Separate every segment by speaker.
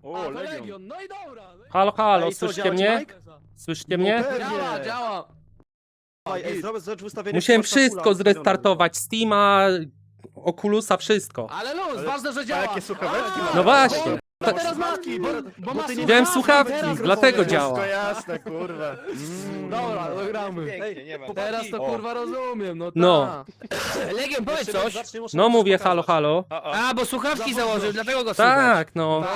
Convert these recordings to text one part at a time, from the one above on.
Speaker 1: O,
Speaker 2: to
Speaker 1: Legion.
Speaker 2: Legion, no i dobra. No i...
Speaker 3: Halo, halo,
Speaker 1: Ej, co,
Speaker 3: słyszycie
Speaker 1: działa ci,
Speaker 3: mnie?
Speaker 1: Mike?
Speaker 3: Słyszycie mnie?
Speaker 2: Działa, działa.
Speaker 1: Ej, zobacz ustawienie.
Speaker 3: Musiałem
Speaker 1: Forza Fulla
Speaker 3: wszystko
Speaker 1: ustawione.
Speaker 3: zrestartować, Steama, Oculusa, wszystko.
Speaker 2: Ale luz,
Speaker 1: Ale-
Speaker 2: ważne, że
Speaker 1: A
Speaker 2: działa.
Speaker 1: jakie słuchaweczki masz?
Speaker 3: No właśnie.
Speaker 2: Bo teraz ma, bo ma
Speaker 1: ty nie
Speaker 3: Wziąłem
Speaker 2: słuchawki,
Speaker 3: słuchawki,
Speaker 2: teraz
Speaker 3: dlatego
Speaker 2: rozumiem.
Speaker 3: działa.
Speaker 1: Wszystko jasne, kurwa.
Speaker 2: Dobra, no gramy.
Speaker 4: Pięknie, nie ma.
Speaker 2: Teraz to
Speaker 1: O.
Speaker 2: kurwa rozumiem, no
Speaker 3: No.
Speaker 2: tak.
Speaker 4: Legion, powiedz coś.
Speaker 3: No mówię halo, halo.
Speaker 4: A, bo słuchawki założył, dlatego go słychać.
Speaker 3: Tak, no.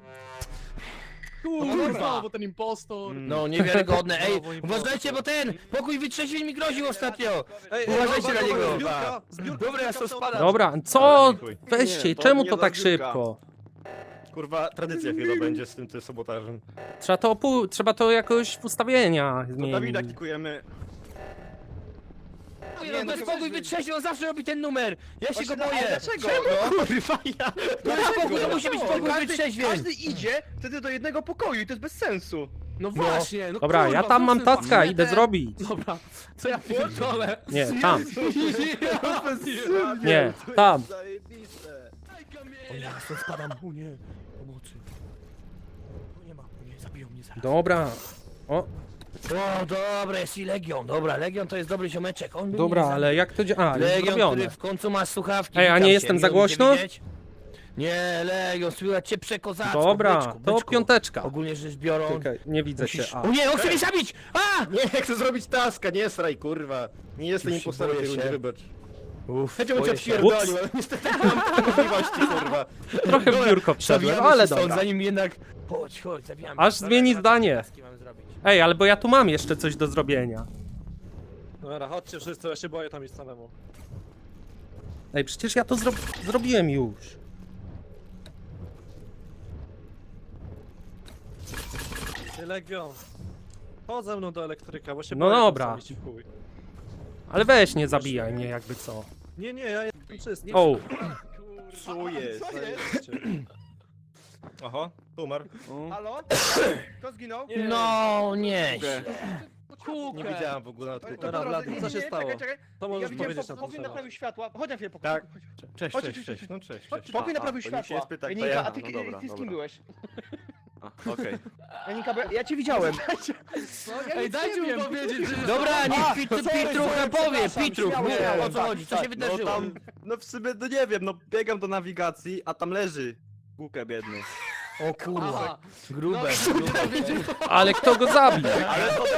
Speaker 2: Kurwa, bo ten impostor.
Speaker 4: No, niewiarygodne. Ej, uważajcie, bo ten pokój wytrzeźwień mi groził ostatnio. Uważajcie na niego. Dobra, ja to spadam.
Speaker 3: Dobra, co?
Speaker 1: Dziękuję.
Speaker 3: Weźcie,
Speaker 1: Nie, to
Speaker 3: czemu
Speaker 1: nie
Speaker 3: to tak
Speaker 1: zbiórka.
Speaker 3: szybko?
Speaker 1: Kurwa, tradycja chyba będzie z tym sabotażem.
Speaker 3: Trzeba to jakoś w ustawieniach
Speaker 1: To Dawida
Speaker 3: zmienić.
Speaker 1: kikujemy.
Speaker 4: Nie, no, pokój wytrzeźwień, on zawsze robi ten numer. Ja się go boję.
Speaker 5: Dlaczego?
Speaker 1: Kurwa, ja.
Speaker 4: No pokój, to musi być pokój wytrzeźwień.
Speaker 5: Każdy idzie wtedy do jednego pokoju i to jest bez sensu.
Speaker 2: No właśnie, no
Speaker 3: Dobra,
Speaker 2: kurwa,
Speaker 3: ja tam mam
Speaker 2: wrócę,
Speaker 3: taska, idę
Speaker 2: ten-
Speaker 3: zrobić.
Speaker 2: Dobra, co ja pierdolę?
Speaker 3: Nie, tam.
Speaker 2: Ja
Speaker 3: Nie, tam.
Speaker 1: Zajebiste.
Speaker 4: O nie, ja stąd spadam. O nie, pomocy. O nie ma, o nie, zabiją mnie zaraz.
Speaker 3: Dobra. O,
Speaker 4: O, dobra, jest i Legion. Dobra, Legion to jest dobry ziomeczek. On by
Speaker 3: dobra,
Speaker 4: mnie
Speaker 3: ale jak to działa? A, już
Speaker 4: Legion, który
Speaker 3: zrobione.
Speaker 4: w końcu ma słuchawki.
Speaker 3: Ej, a
Speaker 4: witam
Speaker 3: nie
Speaker 4: cię,
Speaker 3: jestem za
Speaker 4: miło mi cię
Speaker 3: głośno?
Speaker 4: widzieć. Nie, Legion, słychać cię przekozacko.
Speaker 3: Dobra,
Speaker 4: byczku,
Speaker 3: to
Speaker 4: byczku.
Speaker 3: piąteczka.
Speaker 4: Ogólnie rzecz biorąc.
Speaker 3: Czekaj, nie widzę cię.
Speaker 4: Musisz...
Speaker 3: A.
Speaker 4: O nie, on chce mnie zabić! A!
Speaker 1: Nie, chcę zrobić taska, nie sraj, kurwa. Nie jestem
Speaker 4: Już się
Speaker 1: impostorem w tej
Speaker 4: boję
Speaker 1: rundzie,
Speaker 4: się.
Speaker 1: wybacz.
Speaker 4: Uff,
Speaker 1: Chęcią cię
Speaker 4: boję się.
Speaker 1: odpierdolił, ale niestety nie mam takiej możliwości, kurwa.
Speaker 3: Trochę w biurko wszedłem,
Speaker 4: Zabijamy
Speaker 3: ale
Speaker 4: się stąd,
Speaker 3: dobra.
Speaker 4: zanim jednak... Chodź, zabijamy.
Speaker 3: Aż
Speaker 4: Dobra,
Speaker 3: zmieni
Speaker 4: teraz
Speaker 3: zdanie.
Speaker 4: taski mamy zrobić.
Speaker 3: Ej, ale bo ja tu mam jeszcze coś do zrobienia.
Speaker 6: Dobra, chodźcie wszyscy, ja się boję tam iść samemu.
Speaker 3: Ej, przecież ja to zrobiłem już.
Speaker 6: Ty Legion. Chodź ze mną do elektryka, bo się
Speaker 3: No
Speaker 6: boję tam
Speaker 3: dobra.
Speaker 6: sam iść w chuj.
Speaker 3: Ale weź nie zabijaj mnie jakby co.
Speaker 6: Nie, ja jestem czysty.
Speaker 3: O,
Speaker 1: Co jest? Oho, tu umarł.
Speaker 5: Halo? Kto zginął?
Speaker 4: No, nie.
Speaker 1: Nie widziałem w ogóle na
Speaker 5: To
Speaker 1: odkryciu.
Speaker 6: Dobra,
Speaker 5: po drodze,
Speaker 6: Blady, co się
Speaker 5: nie,
Speaker 6: stało?
Speaker 5: Czekaj.
Speaker 6: To
Speaker 5: Ja
Speaker 6: możesz
Speaker 5: widziałem,
Speaker 6: powiedzieć na ten
Speaker 5: pokój
Speaker 6: temat.
Speaker 5: naprawił światła. Chodź na chwilę, pokój.
Speaker 1: Tak.
Speaker 4: Cześć,
Speaker 5: Chodź,
Speaker 4: cześć,
Speaker 5: cześć,
Speaker 4: cześć.
Speaker 5: cześć.
Speaker 1: No cześć,
Speaker 5: Chodź,
Speaker 1: cześć.
Speaker 5: pokój naprawił
Speaker 1: to nikt się nie
Speaker 5: światła.
Speaker 1: spyta, kto
Speaker 5: Janinka,
Speaker 1: ja.
Speaker 5: a ty,
Speaker 1: No dobra,
Speaker 5: ty z kim
Speaker 1: dobra.
Speaker 5: byłeś?
Speaker 1: Okej.
Speaker 5: Janinka, bo ja cię widziałem.
Speaker 2: Ej, dajcie mi powiedzieć, że...
Speaker 4: Dobra, niech
Speaker 5: sorry,
Speaker 4: Pitrucha powie,
Speaker 5: przepraszam,
Speaker 4: Pitruch,
Speaker 5: śmiało,
Speaker 4: mów
Speaker 5: śmiało,
Speaker 4: o co
Speaker 5: tak,
Speaker 4: chodzi, co
Speaker 5: tak.
Speaker 4: się
Speaker 1: No
Speaker 4: wydarzyło?
Speaker 1: tam, no w sumie, no nie wiem, no biegam do nawigacji, a tam leży Gukę biedny.
Speaker 4: O kurwa,
Speaker 2: Aha.
Speaker 4: grube.
Speaker 3: ale kto go zabił?
Speaker 1: Ale to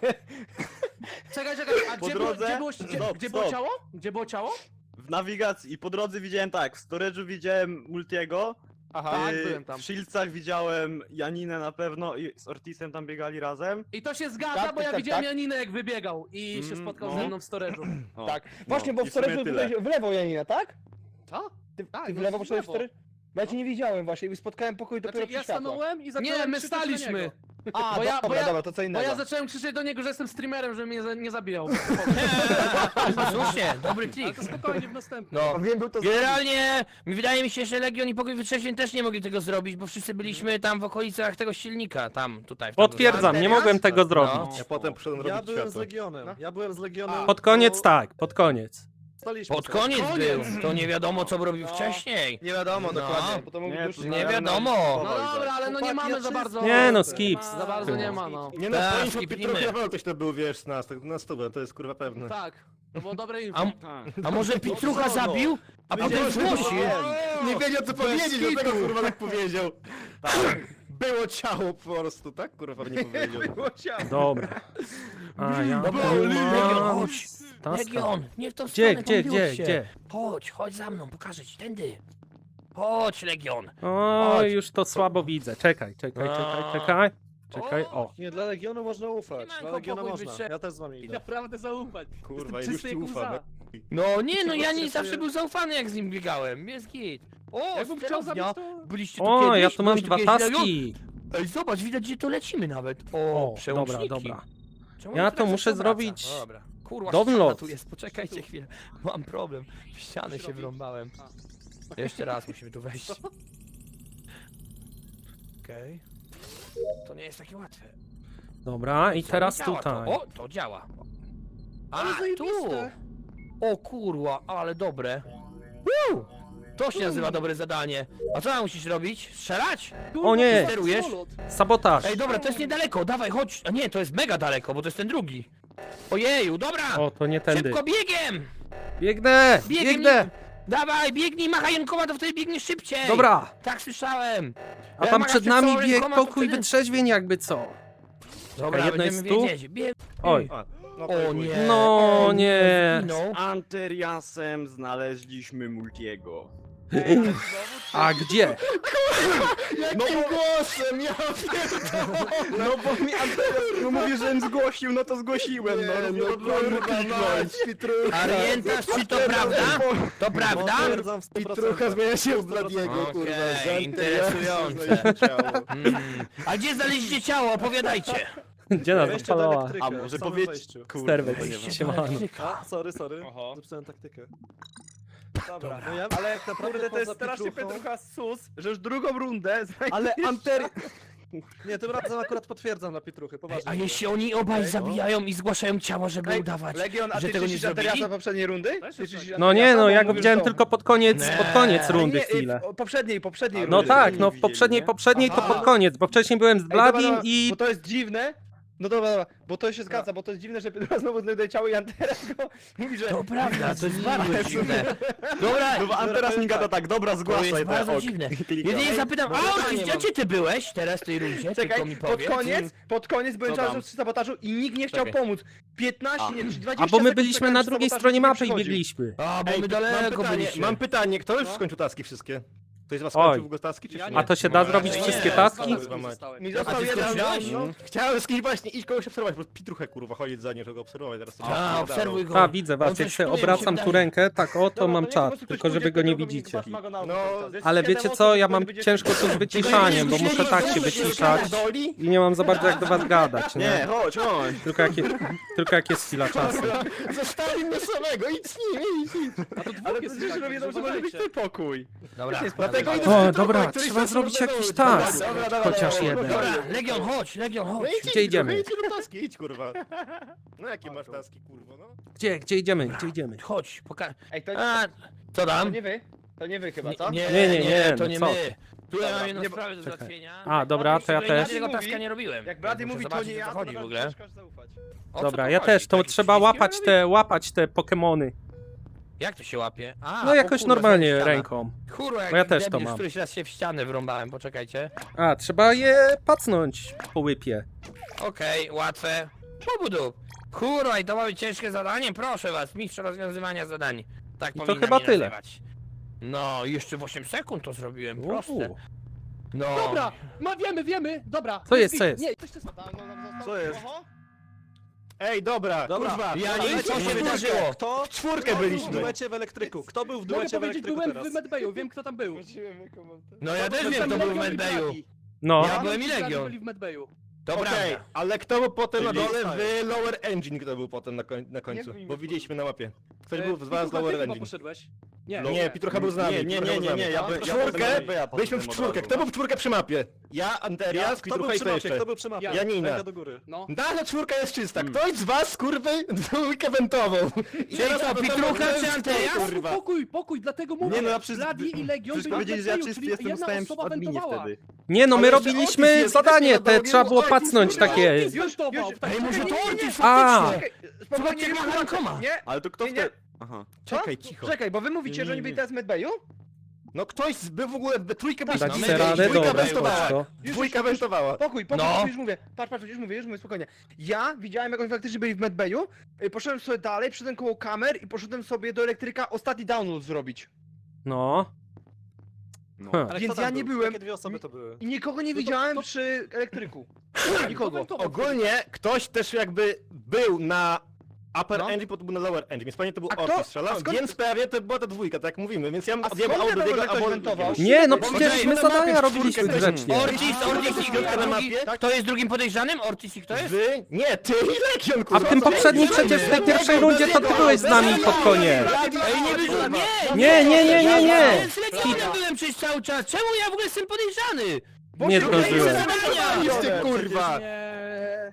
Speaker 2: Czekaj, a
Speaker 1: Po
Speaker 2: gdzie było,
Speaker 1: drodze?
Speaker 2: gdzie było,
Speaker 1: Stop,
Speaker 2: gdzie było
Speaker 1: stop.
Speaker 2: ciało? Gdzie było ciało?
Speaker 1: w nawigacji i po drodze widziałem tak, w storage'u widziałem Multiego,
Speaker 2: Tak, byłem tam.
Speaker 1: w Shieldsach widziałem Janinę na pewno i z Ortisem tam biegali razem.
Speaker 2: I to się zgadza,
Speaker 5: Tak,
Speaker 2: bo ja
Speaker 5: tak,
Speaker 2: widziałem
Speaker 5: tak.
Speaker 2: Janinę jak wybiegał i się spotkał
Speaker 1: no.
Speaker 2: ze mną w storage'u.
Speaker 1: O,
Speaker 5: Tak.
Speaker 1: no,
Speaker 5: Właśnie, bo
Speaker 1: i
Speaker 5: w
Speaker 1: sumie
Speaker 5: storage'u
Speaker 1: tyle.
Speaker 5: byłeś w lewo, Janina, tak?
Speaker 2: Co?
Speaker 5: Ty
Speaker 2: Tak,
Speaker 5: w
Speaker 2: no
Speaker 5: lewo
Speaker 2: w
Speaker 5: poszedłeś w
Speaker 2: lewo.
Speaker 5: storage'u? Bo ja cię nie widziałem właśnie i spotkałem pokój dopiero
Speaker 2: Znaczy,
Speaker 5: przy
Speaker 2: ja
Speaker 5: światłach.
Speaker 2: stanąłem i zacząłem Nie, my krzyczeć do staliśmy. niego.
Speaker 5: A,
Speaker 2: Bo ja-
Speaker 5: dobra,
Speaker 2: bo ja-
Speaker 5: dobra, to co
Speaker 2: Bo
Speaker 5: innego.
Speaker 2: ja zacząłem krzyczeć do niego, że jestem streamerem, żeby mnie nie zabijał.
Speaker 4: Słusznie, dobry
Speaker 2: Ale
Speaker 4: klik.
Speaker 2: to spokojnie w następnym.
Speaker 4: No.
Speaker 5: Wiem, był to
Speaker 4: Generalnie, wydaje mi się, że Legion i Pokój Wytrzeźwień też nie mogli tego zrobić, bo wszyscy byliśmy tam w okolicach tego silnika, tam, tutaj. w tamtym
Speaker 3: Potwierdzam, nie
Speaker 4: stanie.
Speaker 3: mogłem tego
Speaker 4: No.
Speaker 3: zrobić.
Speaker 1: Ja potem poszedłem
Speaker 6: Ja
Speaker 1: robić
Speaker 6: byłem z
Speaker 1: światło.
Speaker 6: Legionem,
Speaker 5: No.
Speaker 6: ja byłem z Legionem.
Speaker 3: Pod koniec
Speaker 6: bo
Speaker 3: tak, pod koniec.
Speaker 6: staliśmy
Speaker 4: Pod
Speaker 6: sobie.
Speaker 4: koniec był, to nie wiadomo co robił
Speaker 5: No.
Speaker 4: wcześniej.
Speaker 5: Nie wiadomo
Speaker 4: No.
Speaker 5: dokładnie, bo to mógł
Speaker 1: Nie,
Speaker 5: już...
Speaker 1: to
Speaker 4: Nie
Speaker 1: znałem,
Speaker 4: wiadomo.
Speaker 2: No dobra, ale no nie
Speaker 6: Chłopaki,
Speaker 2: mamy
Speaker 6: ja
Speaker 2: za
Speaker 6: czysto-
Speaker 2: bardzo...
Speaker 3: Nie no, skips.
Speaker 2: Za bardzo nie ma, no.
Speaker 1: Nie no,
Speaker 4: Tak,
Speaker 1: powinniśmy
Speaker 4: skipnijmy.
Speaker 1: trochę na pewno ktoś to był, wiesz, na stówę, to jest kurwa pewne.
Speaker 2: Tak, to było dobre info.
Speaker 4: A może Pitrucha zabił, a potem zgłosił?
Speaker 1: Nie wiedział co powiedzieć,
Speaker 4: skitu.
Speaker 1: dlatego kurwa tak powiedział. Tak. Było ciało po prostu, tak kurwa nie powiedział.
Speaker 5: Było ciało.
Speaker 3: Dobra. A ja
Speaker 4: Dobra,
Speaker 3: tu
Speaker 4: Legion,
Speaker 3: mam
Speaker 4: chodź.
Speaker 3: taska.
Speaker 4: Legion, nie w tą
Speaker 3: Gdzie,
Speaker 4: stronę,
Speaker 3: gdzie,
Speaker 4: pomyliłeś
Speaker 3: gdzie,
Speaker 4: się.
Speaker 3: gdzie?
Speaker 4: Chodź za mną, pokażę ci, tędy. Chodź, Legion.
Speaker 3: O,
Speaker 4: Chodź.
Speaker 3: już to słabo widzę. Czekaj. Czekaj, o.
Speaker 6: Nie, dla Legionu można ufać,
Speaker 4: Siemanko,
Speaker 6: dla Legiona
Speaker 4: pokój
Speaker 6: można.
Speaker 4: wytrze-
Speaker 6: Ja też z wami
Speaker 2: I
Speaker 6: idę.
Speaker 2: naprawdę zaufać.
Speaker 1: Kurwa,
Speaker 2: Jestem
Speaker 1: już
Speaker 2: czysty
Speaker 1: ci
Speaker 2: jak
Speaker 1: ufam.
Speaker 2: łza.
Speaker 4: No nie, no ja nie
Speaker 6: się
Speaker 4: zawsze
Speaker 6: czuję-
Speaker 4: był zaufany jak z nim biegałem, jest git. O,
Speaker 2: Jakbym chciał zabić,
Speaker 4: sterownia.
Speaker 2: to...
Speaker 4: Byliście tu
Speaker 3: O,
Speaker 4: kiedyś?
Speaker 3: ja tu mam
Speaker 4: Byłeś
Speaker 3: dwa
Speaker 4: kiedyś, Legion?
Speaker 3: taski.
Speaker 4: Ej, zobacz, widać gdzie to lecimy nawet. O,
Speaker 3: O,
Speaker 4: przełączniki.
Speaker 3: dobra.
Speaker 4: Czemu
Speaker 3: Ja
Speaker 4: mi
Speaker 3: to
Speaker 4: tak
Speaker 3: muszę
Speaker 4: zawsze
Speaker 3: zrobić
Speaker 4: obraca? Dobra. Kurwa,
Speaker 3: download.
Speaker 4: ściana tu jest, poczekajcie chwilę. Mam problem, w ścianę się wrąbałem. Jeszcze raz musimy tu wejść. Okej. To nie jest takie łatwe.
Speaker 3: Dobra, i
Speaker 4: Co,
Speaker 3: teraz
Speaker 4: nie działa
Speaker 3: tutaj.
Speaker 4: To. O, to działa. A,
Speaker 5: Ale
Speaker 4: tu!
Speaker 5: zajebiste.
Speaker 4: O kurwa, ale dobre. Woo! To się nazywa dobre zadanie. A co tam musisz robić? Strzelać?
Speaker 3: O nie!
Speaker 4: Sterujesz?
Speaker 3: Sabotaż!
Speaker 4: Ej, dobra, to jest niedaleko, dawaj, chodź. A nie, to jest mega daleko, bo to jest ten drugi. Ojeju, dobra!
Speaker 3: O, to nie tędy.
Speaker 4: Szybko biegiem!
Speaker 3: Biegnę!
Speaker 4: Biegiem!
Speaker 3: Biegnę!
Speaker 4: Dawaj, biegnij, machaj rękoma, to wtedy biegniesz szybciej!
Speaker 3: Dobra!
Speaker 4: Tak słyszałem!
Speaker 3: A
Speaker 4: Jak
Speaker 3: tam
Speaker 4: machasz
Speaker 3: przed
Speaker 4: przed
Speaker 3: nami
Speaker 4: sobą
Speaker 3: bieg
Speaker 4: rękoma, to
Speaker 3: pokój
Speaker 4: wtedy-
Speaker 3: wytrzeźwień jakby co.
Speaker 4: Dobra,
Speaker 3: jedno
Speaker 4: będziemy
Speaker 3: jest tu?
Speaker 4: wiedzieć.
Speaker 3: Oj.
Speaker 1: No
Speaker 4: O nie!
Speaker 3: No
Speaker 4: Ej,
Speaker 3: nie.
Speaker 4: zginął.
Speaker 7: Anteriasem znaleźliśmy Multiego.
Speaker 3: A gdzie?
Speaker 1: Jakim głosem? Ja pierdolę!
Speaker 7: No bo mi Anterias mówił, żebym zgłosił, no to zgłosiłem, no.
Speaker 1: kurwa mać, Pitrucha!
Speaker 4: Orientasz, czy to prawda? To prawda?
Speaker 6: Potwierdzam w 100%.
Speaker 1: Pitrucha zmienia się w Bladiego,
Speaker 4: Okej,
Speaker 1: kurwa. z
Speaker 4: interesujące.
Speaker 1: Anteriasem ciało.
Speaker 4: A gdzie znaleźliście ciało? Opowiadajcie!
Speaker 3: Gdzie nas
Speaker 6: Wejście do
Speaker 3: odpalała?
Speaker 6: elektryka,
Speaker 7: A może
Speaker 6: w samym
Speaker 7: powiedzieć,
Speaker 6: wejściu.
Speaker 7: kurwa,
Speaker 3: Sterwek,
Speaker 7: nie wiem.
Speaker 3: siemano.
Speaker 6: A, sorry.
Speaker 7: Oho.
Speaker 6: Zepsułem taktykę. Dobra, no ja
Speaker 5: Ale
Speaker 6: tak naprawdę
Speaker 5: kurde, to jest
Speaker 6: poza
Speaker 5: strasznie
Speaker 6: Pietruchą-
Speaker 5: Petrucha sus, że już drugą rundę
Speaker 7: Ale Anteri...
Speaker 6: Nie, tym razem akurat potwierdzam na Pietruchy, poważnie.
Speaker 4: A jeśli oni obaj
Speaker 6: Ej, no.
Speaker 4: zabijają i zgłaszają ciało, żeby
Speaker 5: Ej,
Speaker 4: udawać,
Speaker 5: Legion, a
Speaker 4: że
Speaker 5: ty
Speaker 4: tego nie
Speaker 5: czyścisz
Speaker 4: zrobili?
Speaker 5: Anteriasa poprzedniej rundy?
Speaker 6: Weź
Speaker 5: Ty czyścisz
Speaker 3: No nie,
Speaker 5: Anteriasa,
Speaker 3: no
Speaker 5: bo
Speaker 3: ja go
Speaker 5: mówisz,
Speaker 3: widziałem
Speaker 5: że-
Speaker 3: tylko pod koniec
Speaker 4: Nie.
Speaker 3: rundy
Speaker 5: Nie,
Speaker 3: chwilę.
Speaker 5: poprzedniej
Speaker 3: No
Speaker 5: rundy.
Speaker 3: tak,
Speaker 7: nie
Speaker 3: no w
Speaker 7: widzieli,
Speaker 3: poprzedniej to
Speaker 6: Aha.
Speaker 3: pod koniec, bo wcześniej byłem z
Speaker 5: Ej, dobra,
Speaker 3: Bladim
Speaker 5: dobra,
Speaker 3: i...
Speaker 5: Bo to jest dziwne. No dobra, bo to się zgadza, bo to jest dziwne, że Petrucha znowu znajduje ciało i Anteras go mówi, że...
Speaker 4: To prawda, to jest bardzo dziwne. Dobra,
Speaker 7: No bo Anteras mi gada tak, dobra,
Speaker 4: to
Speaker 7: zgłaszaj
Speaker 4: jest bardzo
Speaker 7: ok.
Speaker 4: dziwne.
Speaker 7: I klika.
Speaker 4: Jedynie zapytam,
Speaker 5: Bo
Speaker 4: a
Speaker 5: pytanie
Speaker 4: Ortiz,
Speaker 5: mam.
Speaker 4: gdzie ty byłeś teraz w tej rundzie?
Speaker 5: Czekaj,
Speaker 4: Tylko mi powiedz.
Speaker 5: pod koniec byłem
Speaker 7: Co tam?
Speaker 5: czasem przy sabotażu i nikt nie chciał
Speaker 7: Czekaj.
Speaker 5: pomóc. 15, nie, 20
Speaker 3: A bo my
Speaker 5: sekund
Speaker 3: byliśmy
Speaker 5: czekałem
Speaker 3: na
Speaker 5: przy
Speaker 3: drugiej
Speaker 5: sabotażu,
Speaker 3: stronie
Speaker 5: nikt nie
Speaker 3: mapy i
Speaker 5: przychodził.
Speaker 3: biegliśmy.
Speaker 4: A, bo my
Speaker 1: Mam
Speaker 4: daleko
Speaker 1: pytanie,
Speaker 4: byliśmy.
Speaker 1: mam pytanie, kto już
Speaker 6: No.
Speaker 1: skończył taski wszystkie? Ktoś z was
Speaker 3: Oj.
Speaker 1: skończył w ogóle taski, czy
Speaker 6: Ja
Speaker 1: nie?
Speaker 6: nie.
Speaker 3: A to się da
Speaker 7: Nie,
Speaker 3: zrobić
Speaker 4: nie,
Speaker 3: wszystkie
Speaker 4: nie,
Speaker 3: taski?
Speaker 5: Mi
Speaker 4: A
Speaker 5: został
Speaker 4: ty
Speaker 5: jeden
Speaker 4: skończyłeś?
Speaker 5: no.
Speaker 1: Chciałem z kimś właśnie iść kogoś obserwować, bo Pitruchę kurwa chodzić za nim, żeby go obserwować, teraz sobie
Speaker 4: A, obserwuj go.
Speaker 3: A, widzę was,
Speaker 4: On
Speaker 3: jak
Speaker 4: coś
Speaker 3: sobie
Speaker 4: czuje,
Speaker 3: obracam
Speaker 4: mi się
Speaker 3: tu
Speaker 4: wydaje.
Speaker 3: rękę, tak o, to
Speaker 5: Dobra,
Speaker 3: mam
Speaker 5: niech po
Speaker 3: czat,
Speaker 5: prostu
Speaker 3: tylko
Speaker 5: ktoś
Speaker 3: żeby
Speaker 5: pójdzie
Speaker 3: go nie
Speaker 5: do drugą
Speaker 3: widzicie.
Speaker 5: i masz go na
Speaker 1: No,
Speaker 5: auto.
Speaker 3: Ale
Speaker 5: Siedem
Speaker 3: wiecie
Speaker 5: osób,
Speaker 3: co, ja
Speaker 5: które
Speaker 3: mam
Speaker 5: będzie-
Speaker 3: ciężko tu z wyciszaniem, bo muszę tak się wyciszać i nie mam za bardzo jak do was gadać,
Speaker 7: Nie,
Speaker 3: nie?
Speaker 7: chodź.
Speaker 3: Tylko jak jest chwila czasu.
Speaker 1: zostawi mnie samego, idź z nim, idź.
Speaker 5: Ale to przecież wiedzą, że może być twój pokój.
Speaker 4: Dobra,
Speaker 1: Dlatego
Speaker 4: dobra.
Speaker 1: idę z
Speaker 3: O,
Speaker 1: Pitruchą,
Speaker 3: dobra,
Speaker 1: któryś
Speaker 3: trzeba
Speaker 1: tam
Speaker 3: zrobić
Speaker 1: sobie
Speaker 3: jakiś
Speaker 1: dołóż.
Speaker 3: task.
Speaker 1: Dobra,
Speaker 3: Chociaż jeden.
Speaker 4: Dobra, Legion, chodź, Legion,
Speaker 1: No
Speaker 4: chodź.
Speaker 1: idź,
Speaker 3: Gdzie idziemy?
Speaker 1: Idź do taski, idź kurwa. No jakie masz taski kurwa, no?
Speaker 3: Gdzie idziemy, gdzie idziemy?
Speaker 4: Chodź, pokaż.
Speaker 5: Ej, to
Speaker 4: Co
Speaker 5: to
Speaker 4: tam?
Speaker 5: nie wy? To nie wy chyba, co?
Speaker 3: Nie, nie,
Speaker 4: to
Speaker 3: no
Speaker 4: nie
Speaker 3: co
Speaker 4: my.
Speaker 3: ty.
Speaker 4: Tutaj mam jedną
Speaker 5: nie, bo-
Speaker 4: sprawę do
Speaker 3: czekaj.
Speaker 4: załatwienia.
Speaker 3: A, dobra, to ja
Speaker 4: Jeszcze
Speaker 3: też.
Speaker 4: tego
Speaker 5: Mówi-
Speaker 4: taska nie robiłem.
Speaker 5: Jak Brady
Speaker 4: Muszę
Speaker 5: mówi, to
Speaker 4: zobaczyć,
Speaker 5: nie
Speaker 4: o
Speaker 5: ja,
Speaker 4: co
Speaker 5: to
Speaker 4: chodzi w
Speaker 5: naprawdę
Speaker 4: ogóle.
Speaker 5: ciężko zaufać.
Speaker 4: O co
Speaker 3: Dobra,
Speaker 4: tu
Speaker 3: ja
Speaker 4: chodzi?
Speaker 3: też, to
Speaker 4: Taki
Speaker 3: trzeba
Speaker 4: przyciskiem
Speaker 3: łapać te Pokemony.
Speaker 4: Jak to się łapie? A,
Speaker 3: No
Speaker 4: o
Speaker 3: jakoś
Speaker 4: kurwa,
Speaker 3: normalnie
Speaker 4: ściana.
Speaker 3: ręką.
Speaker 4: Kurwa, jak
Speaker 3: No ja też to
Speaker 4: debil,
Speaker 3: mam.
Speaker 4: któryś raz się w ścianę wrąbałem, poczekajcie.
Speaker 3: A, trzeba je pacnąć po łypie.
Speaker 4: Okej, łatwe. Pobudu. Kurwa, i to ma być ciężkie zadanie? Proszę was, mistrz rozwiązywania zadań. Tak
Speaker 3: to
Speaker 4: powinna
Speaker 3: chyba
Speaker 4: mnie
Speaker 3: tyle.
Speaker 4: nazywać. No, jeszcze w 8 sekund to zrobiłem, proste.
Speaker 3: Uuu.
Speaker 4: No.
Speaker 2: Dobra, wiemy, dobra.
Speaker 3: Co jest, co jest?
Speaker 2: Nie, coś
Speaker 7: Co jest?
Speaker 1: Ej, dobra,
Speaker 6: Dobra.
Speaker 1: kurwa.
Speaker 4: Ja
Speaker 1: ale
Speaker 4: nic, co się
Speaker 1: czwórkę.
Speaker 4: wydarzyło?
Speaker 6: Kto?
Speaker 1: W czwórkę
Speaker 6: Kto był
Speaker 1: byliśmy.
Speaker 6: w duecie w elektryku? Kto był w
Speaker 2: Mogę
Speaker 6: duecie w
Speaker 2: powiedzieć,
Speaker 6: elektryku
Speaker 2: byłem
Speaker 6: teraz?
Speaker 2: w Medbayu, wiem kto tam był.
Speaker 4: No ja też wiem, to był w Medbayu.
Speaker 3: No,
Speaker 4: Ja byłem i Legion.
Speaker 2: byli w Medbayu.
Speaker 4: To
Speaker 1: Okej,
Speaker 4: prawda.
Speaker 1: ale kto był potem na
Speaker 7: Czyli
Speaker 1: dole
Speaker 6: zostaje.
Speaker 1: w Lower Engine, kto był potem na końcu?
Speaker 5: wiem,
Speaker 1: Bo widzieliśmy na mapie. Ktoś
Speaker 2: E,
Speaker 1: był z was
Speaker 2: Pitrucha,
Speaker 1: Lower
Speaker 2: ty chyba
Speaker 1: Engine.
Speaker 2: poszedłeś. Nie,
Speaker 1: Nie, Pitrucha był z nami.
Speaker 7: Nie,
Speaker 1: Pitrucha był z nami.
Speaker 7: ja
Speaker 1: W
Speaker 7: by- ja
Speaker 1: czwórkę,
Speaker 7: bym- ja
Speaker 1: byliśmy w
Speaker 7: poszedłem od
Speaker 1: czwórkę.
Speaker 7: razu.
Speaker 1: Kto był w czwórkę przy mapie? Ja, Anterias,
Speaker 6: Kto był
Speaker 1: Pitrucha i
Speaker 6: przy
Speaker 1: to
Speaker 6: mapie?
Speaker 1: jeszcze.
Speaker 6: Kto był przy mapie?
Speaker 1: Janina.
Speaker 6: Ręka do góry.
Speaker 2: no.
Speaker 1: Dalej czwórka jest czysta. Ktoś z was, kurwy, dwójkę wentową. I
Speaker 4: Czyli
Speaker 1: teraz
Speaker 4: co,
Speaker 1: potem-
Speaker 4: Pitrucha czy Anterias?
Speaker 1: Kurwa.
Speaker 2: Pokój, dlatego mówię.
Speaker 7: Nie no, ja przecież...
Speaker 2: Bladi i Legion
Speaker 7: Przecież
Speaker 2: byli w
Speaker 7: powiedzieli, że ja
Speaker 2: Medbayu,
Speaker 7: czysty
Speaker 2: czyli
Speaker 7: jestem,
Speaker 2: jedna
Speaker 7: stałem w
Speaker 2: osoba
Speaker 7: adminie
Speaker 2: wentowała.
Speaker 7: wtedy.
Speaker 3: nie no, my
Speaker 1: Ale jeszcze
Speaker 3: robiliśmy
Speaker 1: Otis jest,
Speaker 3: zadanie,
Speaker 1: wiesz,
Speaker 3: te
Speaker 1: nie
Speaker 3: trzeba było
Speaker 1: Otis,
Speaker 3: pacnąć
Speaker 1: kurwa.
Speaker 3: takie.
Speaker 2: Otis wentował.
Speaker 4: Ej, może to Ortiz
Speaker 3: A.
Speaker 4: faktycznie?
Speaker 5: Spokojnie,
Speaker 4: Zobaczcie, jak
Speaker 5: nie
Speaker 4: ma rękoma.
Speaker 5: Nie,
Speaker 7: Ale to kto
Speaker 5: Nie, nie.
Speaker 7: wtedy... Aha.
Speaker 5: co?
Speaker 1: Czekaj, cicho.
Speaker 5: Czekaj, bo wy mówicie, że oni byli teraz w Medbayu?
Speaker 1: No ktoś był w ogóle, we trójkę byliśmy.
Speaker 3: Dać
Speaker 4: no,
Speaker 3: sobie
Speaker 4: my
Speaker 3: radę,
Speaker 4: byliśmy,
Speaker 3: dobra,
Speaker 1: wentowała.
Speaker 3: chodź to.
Speaker 1: Dwójka wentowała.
Speaker 5: Pokój,
Speaker 4: No.
Speaker 5: już mówię. Patrz, już mówię, spokojnie. Ja widziałem, jak oni faktycznie byli w Medbayu, poszedłem sobie dalej, przyszedłem koło kamer i poszedłem sobie do elektryka ostatni download zrobić.
Speaker 3: No.
Speaker 7: No.
Speaker 3: Huh.
Speaker 6: Ale
Speaker 5: Więc
Speaker 6: kto tam
Speaker 5: ja nie
Speaker 6: był?
Speaker 5: byłem-
Speaker 6: Jakie dwie osoby to były?
Speaker 5: I nikogo nie
Speaker 2: No to-
Speaker 5: widziałem
Speaker 2: to-
Speaker 5: przy elektryku. Nikogo.
Speaker 1: Ogólnie ktoś też jakby był na Upper
Speaker 5: No.
Speaker 1: Engine, potem był na Lower Engine, więc pewnie to był
Speaker 5: A kto-
Speaker 1: Ortiz strzelał,
Speaker 5: a skąd-
Speaker 1: więc pewnie to była ta dwójka, tak jak mówimy, więc ja bym
Speaker 5: A
Speaker 1: odjebał
Speaker 5: skąd
Speaker 1: auto do
Speaker 5: wiadomo,
Speaker 1: jego,
Speaker 5: że ktoś
Speaker 1: albo...
Speaker 5: wentował?
Speaker 3: Nie, no
Speaker 1: Bo
Speaker 3: przecież
Speaker 1: widzieliśmy
Speaker 3: my
Speaker 1: na mapie
Speaker 3: zadania
Speaker 1: w
Speaker 3: robiliśmy
Speaker 1: czwórkę
Speaker 3: grzecznie.
Speaker 4: Ortiz i
Speaker 1: Kto na
Speaker 4: drugi.
Speaker 1: mapie?
Speaker 4: Kto jest drugim podejrzanym? Ortiz i kto jest?
Speaker 1: Wy? Nie, ty i Legion,
Speaker 3: A
Speaker 1: kurwa.
Speaker 3: w tym
Speaker 1: co?
Speaker 3: poprzednim przecież, w tej pierwszej rundzie to ty byłeś z nami pod koniec.
Speaker 4: Ej, nie wyszło,
Speaker 3: Nie.
Speaker 4: Ja z Legionem byłem przez cały czas. Czemu ja w ogóle jestem podejrzany?
Speaker 3: Nie zdążyłem.
Speaker 4: Zadania!
Speaker 1: Ty kurwa.
Speaker 2: Nie.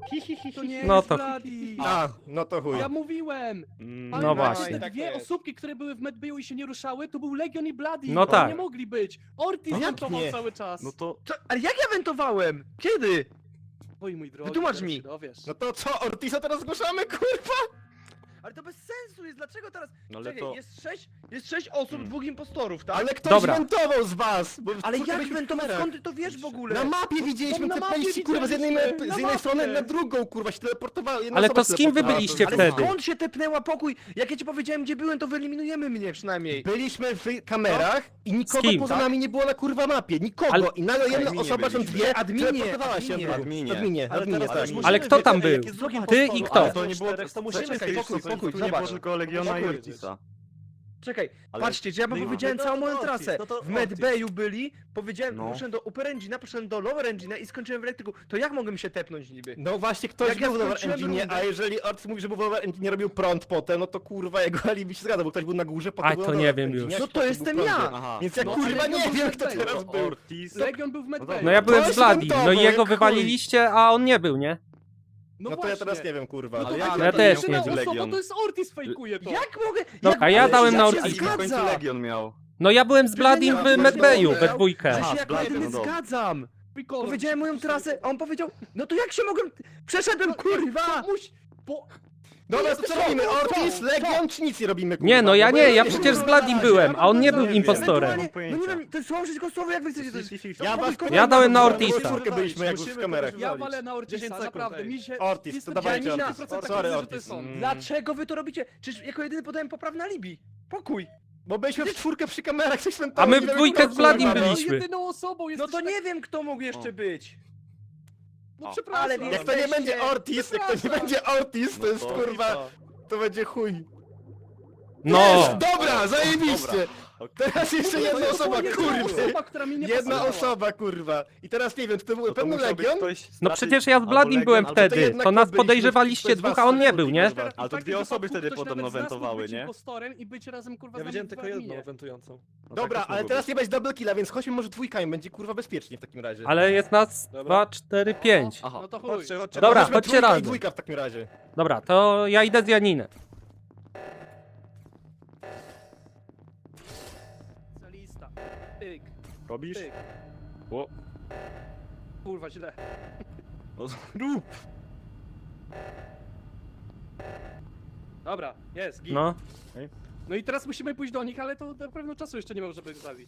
Speaker 2: To nie
Speaker 3: No
Speaker 2: jest
Speaker 3: to-
Speaker 2: Bloody.
Speaker 1: A, no to chuj.
Speaker 2: Ja mówiłem.
Speaker 3: No
Speaker 2: Ale
Speaker 3: właśnie.
Speaker 2: te dwie osobki, które były w Medbayu i się nie ruszały, to był Legion i Bloody.
Speaker 3: No
Speaker 2: Oni
Speaker 3: tak.
Speaker 2: nie mogli być. Ortiz
Speaker 1: Jak
Speaker 2: wentował
Speaker 1: nie?
Speaker 2: cały czas.
Speaker 6: No to...
Speaker 5: Ale jak ja wentowałem? Kiedy?
Speaker 2: Oj, mój drogi,
Speaker 5: Wytłumacz
Speaker 2: zaraz
Speaker 5: mi.
Speaker 2: się dowiesz.
Speaker 1: No to co, Ortisa teraz zgłaszamy, kurwa?
Speaker 5: Ale to bez sensu jest, dlaczego teraz...
Speaker 6: No ale
Speaker 5: Czekaj,
Speaker 6: to...
Speaker 5: jest 6 osób, 2 impostorów, tak?
Speaker 1: Ale ktoś
Speaker 3: Dobra.
Speaker 1: wentował z was! Bo
Speaker 5: Ale
Speaker 1: kurwa,
Speaker 5: jak
Speaker 1: byliśmy w
Speaker 5: wentować?
Speaker 1: kamerach.
Speaker 5: Skąd ty to wiesz w ogóle?
Speaker 1: Na mapie widzieliśmy
Speaker 2: na
Speaker 1: te
Speaker 2: mapie
Speaker 1: pejści, kurwa, z jednej,
Speaker 2: widzieliśmy,
Speaker 1: z
Speaker 2: na
Speaker 1: jednej strony
Speaker 2: mapie.
Speaker 1: na drugą, kurwa, się teleportowały. Jedna
Speaker 3: Ale
Speaker 1: osoba
Speaker 3: to
Speaker 1: się
Speaker 3: z kim wy
Speaker 1: teleportowała.
Speaker 3: byliście
Speaker 5: Ale
Speaker 3: wtedy?
Speaker 5: skąd się tepnęła pokój? Jak ja ci powiedziałem, gdzie byłem, to wyeliminujemy mnie przynajmniej.
Speaker 1: Byliśmy w kamerach i nikogo
Speaker 3: kim?
Speaker 1: poza
Speaker 5: Tak?
Speaker 1: nami nie było na kurwa mapie. Nikogo.
Speaker 3: Ale-
Speaker 1: I nagle jedna
Speaker 7: Adminie
Speaker 1: osoba, są
Speaker 7: byliśmy.
Speaker 1: dwie,
Speaker 5: Adminie,
Speaker 1: teleportowała się.
Speaker 5: adminie.
Speaker 1: Adminie,
Speaker 6: Ale
Speaker 1: adminie,
Speaker 6: teraz
Speaker 1: tak.
Speaker 6: też musimy
Speaker 3: Ale kto tam
Speaker 6: wiedzieć,
Speaker 3: był?
Speaker 6: jak jest dwóch
Speaker 3: Ty i
Speaker 6: impostorów,
Speaker 3: kto?
Speaker 6: ale to nie było...
Speaker 7: To
Speaker 6: musimy
Speaker 5: Czekaj,
Speaker 6: wiedzieć,
Speaker 5: pokój,
Speaker 6: co
Speaker 5: pokój,
Speaker 6: tu nie
Speaker 5: zobacz.
Speaker 6: było tylko Legiona i
Speaker 5: Pokój.
Speaker 6: Ortisa.
Speaker 5: Czekaj,
Speaker 6: Ale-
Speaker 5: patrzcie, że ja wam
Speaker 6: no i-
Speaker 5: powiedziałem
Speaker 6: no to
Speaker 5: całą moją
Speaker 6: Ortiz,
Speaker 5: trasę.
Speaker 6: no to
Speaker 5: W Medbayu byli, powiedziałem,
Speaker 6: No.
Speaker 5: poszedłem do Upper Engine'a, poszedłem do Lower Engine'a i skończyłem w elektryku. To jak mogłem się tepnąć niby?
Speaker 1: No właśnie, ktoś
Speaker 5: Jak ja
Speaker 1: był w Lower
Speaker 5: skończyłem
Speaker 1: Engine,
Speaker 5: rundę-
Speaker 1: a jeżeli Ortiz mówi, że był w Lower Engine, robił prąd potem, no to kurwa jego alibi się zgadza, bo ktoś był na górze, potem
Speaker 3: Aj,
Speaker 1: był
Speaker 3: to
Speaker 1: na
Speaker 3: nie
Speaker 1: Lower
Speaker 3: wiem
Speaker 1: Engine,
Speaker 3: już.
Speaker 1: jak
Speaker 5: No
Speaker 1: potem
Speaker 5: to
Speaker 1: był
Speaker 5: jestem
Speaker 1: w prądzie.
Speaker 5: ja!
Speaker 6: Aha.
Speaker 1: Więc ja
Speaker 2: No,
Speaker 1: kurwa
Speaker 2: ale
Speaker 1: nie
Speaker 2: Legion
Speaker 1: wiem,
Speaker 2: był
Speaker 1: kto
Speaker 2: w
Speaker 1: teraz
Speaker 2: Medbayu.
Speaker 1: był.
Speaker 6: Ortiz...
Speaker 2: Legion był w Medbayu.
Speaker 3: No ja byłem
Speaker 1: Ktoś
Speaker 3: z Bloody,
Speaker 1: wentował,
Speaker 3: no i
Speaker 1: jak
Speaker 3: jego
Speaker 1: chuj.
Speaker 3: wywaliliście, a on nie był, nie?
Speaker 2: No
Speaker 1: No to ja
Speaker 2: właśnie.
Speaker 1: teraz nie wiem, kurwa.
Speaker 2: No to
Speaker 6: Ale
Speaker 2: właśnie,
Speaker 6: ja
Speaker 2: to
Speaker 3: też
Speaker 2: jedyna
Speaker 3: nie wiem.
Speaker 2: osoba,
Speaker 6: Legion.
Speaker 2: to jest Ortiz fejkuje to.
Speaker 5: Jak mogę?
Speaker 3: Dobra,
Speaker 5: jak
Speaker 3: ja
Speaker 5: mogę?
Speaker 3: dałem na
Speaker 5: się
Speaker 3: Ortiza.
Speaker 6: W końcu
Speaker 5: zgadza!
Speaker 6: Legion miał.
Speaker 3: No ja byłem z Bloodim w Medbayu we dwójkę.
Speaker 5: Że się
Speaker 6: Aha,
Speaker 5: jako
Speaker 6: Bloody,
Speaker 5: jedyny
Speaker 6: no dobra.
Speaker 5: zgadzam!
Speaker 2: Pikolor,
Speaker 5: Powiedziałem moją trasę, a on powiedział, no to jak się mogłem... Przeszedłem, kurwa!
Speaker 2: Bo...
Speaker 1: Dobra, to co robimy? Ortiz, Legion, czy nic nie robimy, kurwa?
Speaker 3: Nie, no ja
Speaker 1: Bo
Speaker 3: nie, ja
Speaker 1: nie
Speaker 3: przecież z
Speaker 1: wiem.
Speaker 3: Bloodim byłem, a on nie był
Speaker 6: Nie wiem.
Speaker 3: impostorem.
Speaker 5: Ewentualnie- No nie wiem, to jest słowo przeciwko słowu, jak wy chcecie to jest...
Speaker 1: Ja was
Speaker 3: Ja dałem na
Speaker 1: We
Speaker 3: Ortiza.
Speaker 1: czwórkę byliśmy jak już w kamerach.
Speaker 2: Ja walę na
Speaker 6: 10
Speaker 2: Ortiza,
Speaker 6: sekund,
Speaker 2: naprawdę,
Speaker 6: ej.
Speaker 2: mi się...
Speaker 1: Ortiz,
Speaker 2: jestem
Speaker 1: to dawajcie
Speaker 2: 90%
Speaker 1: Ortiz.
Speaker 2: pewny,
Speaker 1: Sorry,
Speaker 2: że to
Speaker 1: Ortiz.
Speaker 2: jest on.
Speaker 5: Dlaczego wy to robicie? Czyż jako jedyny podałem poprawne alibi? Pokój!
Speaker 1: Bo byliśmy w czwórkę przy kamerach, coś
Speaker 3: A my w dwójkę z Bloodim
Speaker 2: No,
Speaker 3: byliśmy.
Speaker 2: jedyną osobą
Speaker 5: No
Speaker 2: jesteś
Speaker 5: to
Speaker 2: tak-
Speaker 5: nie wiem, kto mógł jeszcze być.
Speaker 2: No
Speaker 6: O,
Speaker 2: przepraszam.
Speaker 5: ale
Speaker 1: Jak to nie będzie Ortiz, jak to nie
Speaker 2: Przepraszam.
Speaker 1: będzie Ortiz, to
Speaker 6: No
Speaker 1: jest
Speaker 6: to-
Speaker 1: kurwa, to będzie chuj.
Speaker 3: No!
Speaker 1: Jest, dobra, zajebiście!
Speaker 6: Dobra.
Speaker 1: Teraz jeszcze
Speaker 2: To
Speaker 1: jedna
Speaker 2: była
Speaker 1: osoba,
Speaker 2: jedyna
Speaker 1: kurwa.
Speaker 2: osoba, która mi nie
Speaker 1: Jedna
Speaker 2: pasowała.
Speaker 1: osoba, kurwa. I teraz nie wiem, czy to był
Speaker 6: No to
Speaker 1: pewny
Speaker 6: musiał być
Speaker 1: Legion?
Speaker 6: ktoś
Speaker 3: No
Speaker 6: raczej
Speaker 3: przecież ja z
Speaker 6: albo
Speaker 3: Bloodim
Speaker 6: Legion,
Speaker 3: byłem
Speaker 6: albo-
Speaker 3: wtedy,
Speaker 1: jednak
Speaker 3: to nas
Speaker 1: byliśmy
Speaker 3: podejrzewaliście
Speaker 1: ktoś z
Speaker 3: dwóch,
Speaker 1: was
Speaker 3: a on nie
Speaker 1: sobie
Speaker 3: był, nie?
Speaker 1: kurwa.
Speaker 6: Ale to
Speaker 2: W
Speaker 6: dwie
Speaker 2: takim
Speaker 6: osoby
Speaker 2: wypadku
Speaker 6: wtedy
Speaker 2: ktoś
Speaker 6: podobno
Speaker 2: nawet z nas mógł
Speaker 6: wentowały,
Speaker 2: być
Speaker 6: nie?
Speaker 2: impostorem i być razem kurwa
Speaker 6: Ja
Speaker 2: z
Speaker 6: widziałem
Speaker 2: nami
Speaker 6: tylko
Speaker 2: w
Speaker 6: jedną
Speaker 2: adminie.
Speaker 6: wentującą. No tak
Speaker 1: Dobra,
Speaker 6: też
Speaker 1: ale
Speaker 6: mogło
Speaker 1: teraz
Speaker 6: być.
Speaker 1: nie będzie double killa, więc chodźmy może dwójkami, będzie kurwa bezpiecznie w takim razie.
Speaker 3: Ale jest nas
Speaker 6: Dobra.
Speaker 3: 2, 4, 5.
Speaker 6: Aha,
Speaker 2: No to chuj.
Speaker 6: chodźcie, chodźcie.
Speaker 3: Dobra,
Speaker 1: Chodźmy
Speaker 3: chodźcie
Speaker 1: trójka i
Speaker 3: razem.
Speaker 1: dwójka w takim razie.
Speaker 3: Dobra, to ja idę z Janinem.
Speaker 2: Lista. Pyk,
Speaker 6: Robisz?
Speaker 2: pyk.
Speaker 6: O,
Speaker 2: Kurwa, źle.
Speaker 6: no rób!
Speaker 2: Dobra, jest, git.
Speaker 3: No.
Speaker 2: No i teraz musimy pójść do nich, ale to na pewno czasu jeszcze nie ma, żeby ich zabić.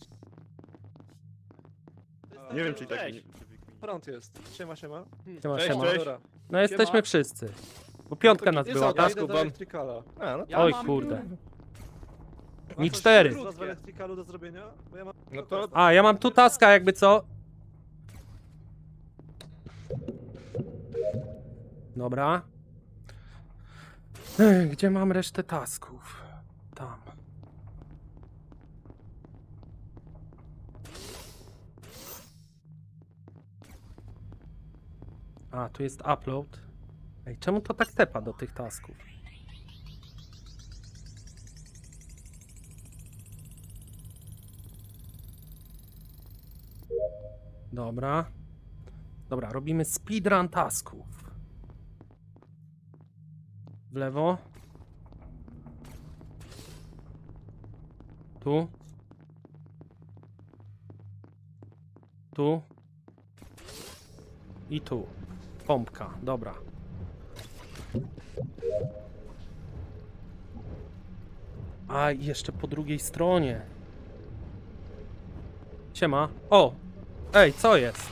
Speaker 6: Nie wiem, czy i tak...
Speaker 1: Cześć.
Speaker 6: Front jest. Siema, siema.
Speaker 3: Siema,
Speaker 1: Cześć,
Speaker 3: siema.
Speaker 1: cześć.
Speaker 6: Dobra.
Speaker 3: No jesteśmy wszyscy. Bo piątka nas
Speaker 6: Jest
Speaker 3: była,
Speaker 6: auto,
Speaker 3: tak?
Speaker 6: idę do
Speaker 1: wam.
Speaker 6: Electricala.
Speaker 1: A, no
Speaker 2: Ja
Speaker 3: Oj
Speaker 2: mam-
Speaker 3: kurde.
Speaker 6: Ma
Speaker 3: Mi
Speaker 6: coś
Speaker 3: 4.
Speaker 6: z was w Electricalu do zrobienia? Bo ja mam...
Speaker 1: No to...
Speaker 3: A, ja mam tu taska jakby co. Dobra. Gdzie mam resztę tasków? Tam. A, tu jest upload. Ej, czemu to tak tepa do tych tasków? Dobra. Dobra, robimy speedrun tasków. W lewo. Tu. Tu. I tu. Pompka, dobra. A, i jeszcze po drugiej stronie. Siema. O! Ej, co jest?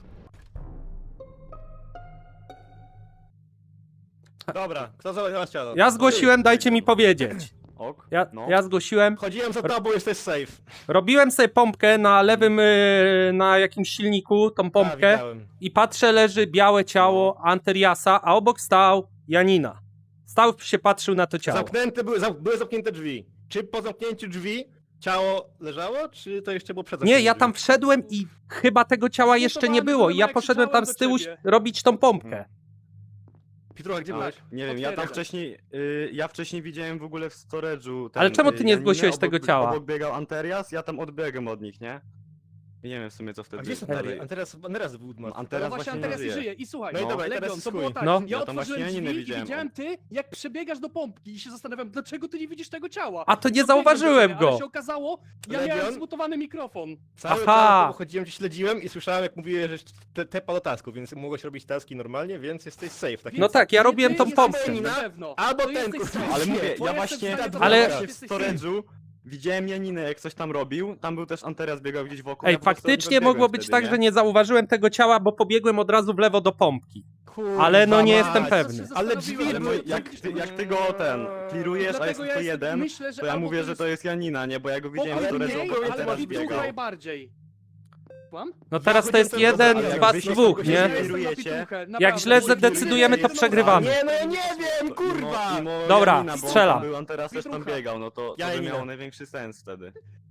Speaker 1: Dobra, kto załatwiał ścianę?
Speaker 3: Ja zgłosiłem, dajcie mi powiedzieć.
Speaker 6: Ok, no.
Speaker 3: Ja zgłosiłem.
Speaker 1: Chodziłem za tobą, jesteś safe.
Speaker 3: Robiłem sobie pompkę na lewym, na jakimś silniku, tą
Speaker 1: A,
Speaker 3: pompkę.
Speaker 1: widziałem.
Speaker 3: I patrzę, leży białe ciało Anteriasa, a obok stał Janina. Stał się, patrzył na to ciało.
Speaker 1: Zamknięte były zamknięte drzwi. Czy po zamknięciu drzwi ciało leżało, czy to jeszcze było przed
Speaker 3: Nie,
Speaker 1: zamknięciem
Speaker 3: ja
Speaker 1: drzwi?
Speaker 3: tam wszedłem i chyba tego ciała jeszcze nie było. I ja
Speaker 2: jak
Speaker 3: poszedłem tam z
Speaker 2: krzyczałem
Speaker 3: tyłu
Speaker 2: do ciebie.
Speaker 3: robić tą pompkę.
Speaker 1: Pitrucha, gdzie
Speaker 6: A,
Speaker 1: byłeś?
Speaker 6: nie wiem, ja tam
Speaker 2: Potwierdzam.
Speaker 6: wcześniej, ja wcześniej widziałem w ogóle w storage'u ten,
Speaker 3: Ale czemu ty nie
Speaker 6: Janinę,
Speaker 3: zgłosiłeś tego ciała?
Speaker 6: Obok biegał Anterias, ja tam odbiegłem od nich, nie?
Speaker 7: Nie wiem w sumie co
Speaker 1: A
Speaker 7: wtedy.
Speaker 1: gdzie jest
Speaker 7: dalej.
Speaker 1: Anteras? Anteras był martwy.
Speaker 7: No,
Speaker 2: No
Speaker 7: Anteras
Speaker 2: właśnie
Speaker 7: właśnie
Speaker 2: Anteras
Speaker 7: nie żyje.
Speaker 2: żyje. I słuchaj,
Speaker 1: No i dobra, i teraz
Speaker 2: Legion,
Speaker 1: jest
Speaker 2: to było
Speaker 1: chuj.
Speaker 2: tak,
Speaker 3: No.
Speaker 2: ja
Speaker 7: Ja tam
Speaker 2: otworzyłem
Speaker 7: właśnie
Speaker 2: drzwi
Speaker 7: nie
Speaker 2: i
Speaker 7: widziałem.
Speaker 2: widziałem ty, jak przebiegasz do pompki i się zastanawiam, dlaczego ty nie widzisz tego ciała.
Speaker 3: A to nie
Speaker 2: Podbiegłem
Speaker 3: zauważyłem
Speaker 2: do ciebie,
Speaker 3: go.
Speaker 2: Ale się okazało, ja
Speaker 1: Legion?
Speaker 2: miałem zmutowany mikrofon.
Speaker 1: Cały
Speaker 3: Aha.
Speaker 1: czas chodziłem, cię śledziłem i słyszałem, jak mówiłeś, że tepa do tasku, więc mogłeś robić taski normalnie, więc jesteś safe. Tak
Speaker 3: No tak, ja
Speaker 2: Ty
Speaker 3: robiłem tą
Speaker 2: jesteś
Speaker 3: pompkę.
Speaker 2: na pewno.
Speaker 1: Albo
Speaker 2: To
Speaker 1: ten,
Speaker 2: jesteś
Speaker 1: kurwa.
Speaker 2: safe.
Speaker 7: Ale mówię,
Speaker 2: Bo
Speaker 7: ja
Speaker 2: jestem
Speaker 7: właśnie
Speaker 2: w stanie to
Speaker 3: Ale-
Speaker 2: zobaczyć,
Speaker 7: w
Speaker 2: jesteś safe.
Speaker 7: storage'u widziałem Janinę jak coś tam robił, tam był też Anteras biegał gdzieś wokół.
Speaker 3: Ej,
Speaker 7: ja po prostu
Speaker 3: faktycznie
Speaker 7: odbiegłem
Speaker 3: mogło być
Speaker 7: wtedy,
Speaker 3: tak,
Speaker 7: nie?
Speaker 3: że nie zauważyłem tego ciała, bo pobiegłem od razu w lewo do pompki.
Speaker 1: Kurwa
Speaker 3: Ale no nie
Speaker 1: mać.
Speaker 3: jestem
Speaker 2: Ja
Speaker 3: pewny.
Speaker 2: się
Speaker 1: Ale
Speaker 2: zastanowiłem,
Speaker 1: drzwi
Speaker 7: Ale
Speaker 1: były-
Speaker 7: mój, jak ty go klirujesz, a jest
Speaker 2: Dlatego
Speaker 7: tylko
Speaker 2: ja
Speaker 7: jeden,
Speaker 2: myślę, że
Speaker 7: to ja
Speaker 2: albo
Speaker 7: mówię,
Speaker 2: to
Speaker 7: że
Speaker 2: jest
Speaker 7: to jest Janina, nie? Bo ja go widziałem w
Speaker 2: pokój
Speaker 7: storage'u,
Speaker 2: mniej,
Speaker 7: bo
Speaker 2: ale
Speaker 7: Anteras
Speaker 2: Pitbull
Speaker 7: biegał.
Speaker 2: najbardziej. Kłam?
Speaker 3: No teraz to
Speaker 1: chodziłem
Speaker 3: jest
Speaker 1: ten
Speaker 3: jeden
Speaker 1: ale
Speaker 3: z
Speaker 1: jak
Speaker 3: was
Speaker 7: wyjdziesz,
Speaker 3: dwóch,
Speaker 7: to
Speaker 3: nie?
Speaker 7: się
Speaker 2: Ja jestem na
Speaker 7: Kierujecie?
Speaker 2: pituchę,
Speaker 3: Jak
Speaker 2: naprawdę.
Speaker 3: źle
Speaker 2: Bo-
Speaker 3: zadecydujemy, to przegrywamy.
Speaker 1: Nie, no ja nie wiem, kurwa!
Speaker 3: Dobra,
Speaker 7: Janina, bo on
Speaker 3: strzelam.
Speaker 7: tam był, Anteras też tam
Speaker 2: Pitrucha.
Speaker 7: biegał, no to
Speaker 1: Ja
Speaker 7: by
Speaker 1: Janina.
Speaker 7: miało największy sens wtedy.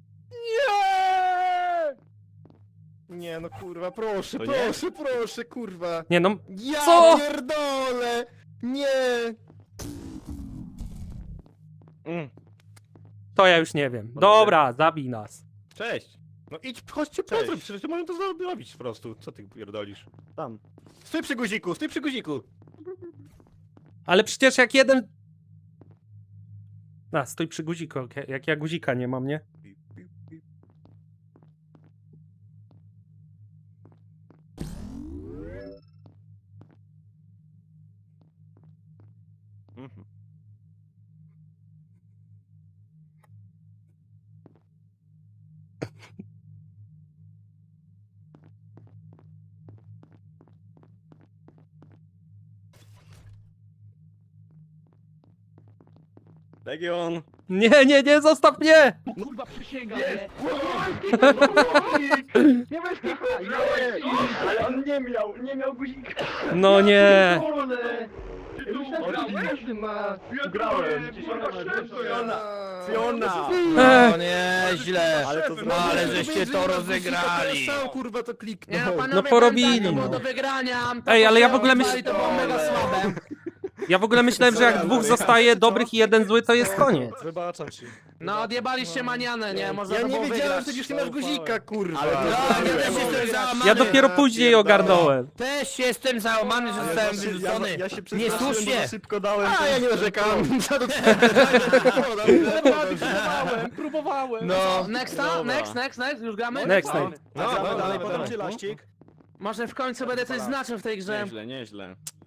Speaker 1: Nie, no kurwa, proszę,
Speaker 7: To nie?
Speaker 1: proszę, proszę, kurwa.
Speaker 3: Nie no,
Speaker 1: Ja
Speaker 3: Co?
Speaker 1: pierdolę! Nie!
Speaker 3: to ja już nie wiem. Dobra, zabij nas.
Speaker 1: Cześć. No idź, chodźcie
Speaker 7: Cześć.
Speaker 1: po przecież możemy to zrobić po prostu. Co ty pierdolisz?
Speaker 7: Tam.
Speaker 1: Stój przy guziku, stój przy guziku!
Speaker 3: Ale przecież jak jeden... A, stój przy guziku, jak ja guzika nie mam, nie?
Speaker 7: Mhm. Legion!
Speaker 3: Nie, nie, nie, zostaw mnie!
Speaker 2: Kurwa, przysięgam.
Speaker 5: Nie bez kitu! Ale on nie miał guzika.
Speaker 3: No nie.
Speaker 5: Każdy ma. Grałem.
Speaker 7: Fiona!
Speaker 4: No nieźle.
Speaker 7: Ale to zrobił.
Speaker 4: Ale żeście to rozegrali.
Speaker 1: Sam kurwa to kliknął.
Speaker 4: Nie, panowie,
Speaker 3: No porobili,
Speaker 4: pamiętajcie,
Speaker 3: no.
Speaker 4: było do wygrania.
Speaker 3: Ej, ale ja w ogóle
Speaker 4: myślę, to było mega słabe.
Speaker 3: Ja w ogóle myślałem, że jak dwóch zostaje dobrych i jeden zły, to jest koniec.
Speaker 6: Wybaczam ci.
Speaker 4: No odjebaliście manianę, nie? Można
Speaker 1: Ja
Speaker 4: to
Speaker 1: nie
Speaker 4: było
Speaker 1: wiedziałem,
Speaker 4: wygrać.
Speaker 1: że już nie masz guzika, kurwa.
Speaker 7: Ale to
Speaker 4: Ja
Speaker 7: zrobiłem.
Speaker 4: też jestem załamany.
Speaker 3: Ja dopiero później ogarnąłem.
Speaker 4: Też jestem załamany, że
Speaker 7: Ale
Speaker 4: zostałem
Speaker 7: właśnie
Speaker 4: wyrzucony.
Speaker 7: Ja się przestraszyłem,
Speaker 4: Niesłusznie.
Speaker 7: bo szybko dałem.
Speaker 1: A, ja nie narzekam.
Speaker 2: Próbowałem.
Speaker 4: No, next,
Speaker 7: Dobra.
Speaker 4: next, już gramy?
Speaker 3: Next,
Speaker 1: No,
Speaker 3: next.
Speaker 1: no,
Speaker 6: Dalej,
Speaker 1: no,
Speaker 6: potem
Speaker 1: no.
Speaker 6: ci laścik.
Speaker 4: Może w końcu będę coś znaczył w tej grze.
Speaker 7: Nieźle, nieźle.